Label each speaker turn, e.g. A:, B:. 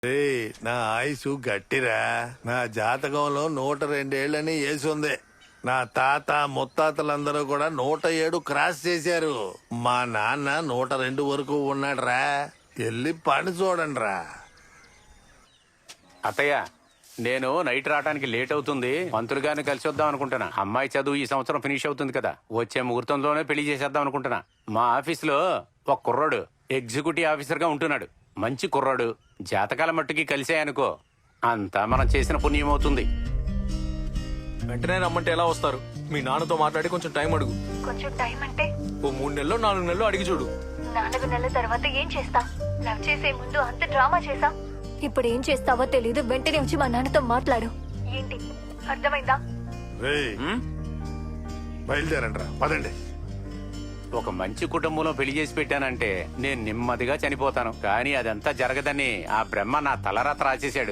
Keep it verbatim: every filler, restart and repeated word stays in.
A: ఏయ్, నా ఆయుసు గట్టిరా. నా జాతకంలో నూట రెండేళ్లని వేసుంది. నా తాత ముత్తాతలందరూ కూడా నూట ఏడు క్రాస్ చేశారు. మా నాన్న నూట రెండు వరకు ఉన్నాడురా. వెళ్ళి పని చూడండి రా.
B: అత్తయ్య, నేను నైట్ రావడానికి లేట్ అవుతుంది. మంత్రులు గారిని కలిసి వద్దాం అనుకుంటున్నా. అమ్మాయి చదువు ఈ సంవత్సరం ఫినిష్ అవుతుంది కదా, వచ్చే ముహూర్తంలోనే పెళ్లి చేసేద్దాం అనుకుంటున్నా. మా ఆఫీసులో ఒక కుర్రాడు ఎగ్జిక్యూటివ్ ఆఫీసర్ గా ఉంటున్నాడు. మంచి కుర్రాడు. జాతకాల మట్టుకి కలిసాయనుకో, అంతా మనం చేసిన పుణ్యం అవుతుంది.
C: వెంటనే రమ్మంటే ఎలా వస్తారు? మీ నాన్నతో మాట్లాడి కొంచెం టైం అడుగు.
D: కొంచెం టైం అంటే
C: ఓ మూడు నెలలు నాలుగు నెలలు అడిగి చూడు.
D: నాలుగు నెలల తర్వాత ఏం చేస్తా? లవ్ చేసే ముందు అంత డ్రామా చేసా. ఇప్పుడు ఏం చేస్తావో తెలీదు. వెంటనే వచ్చి మా నాన్నతో మాట్లాడు. ఏంటి అర్థమైందా?
A: రేయ్, బయలుదేరండి రా, పదండి.
B: ఒక మంచి కుటుంబంలో పెళ్లి చేసి పెట్టానంటే నేను నెమ్మదిగా చనిపోతాను. కానీ అదంతా జరగదని ఆ బ్రహ్మ నా తలరాత రాసేశాడు.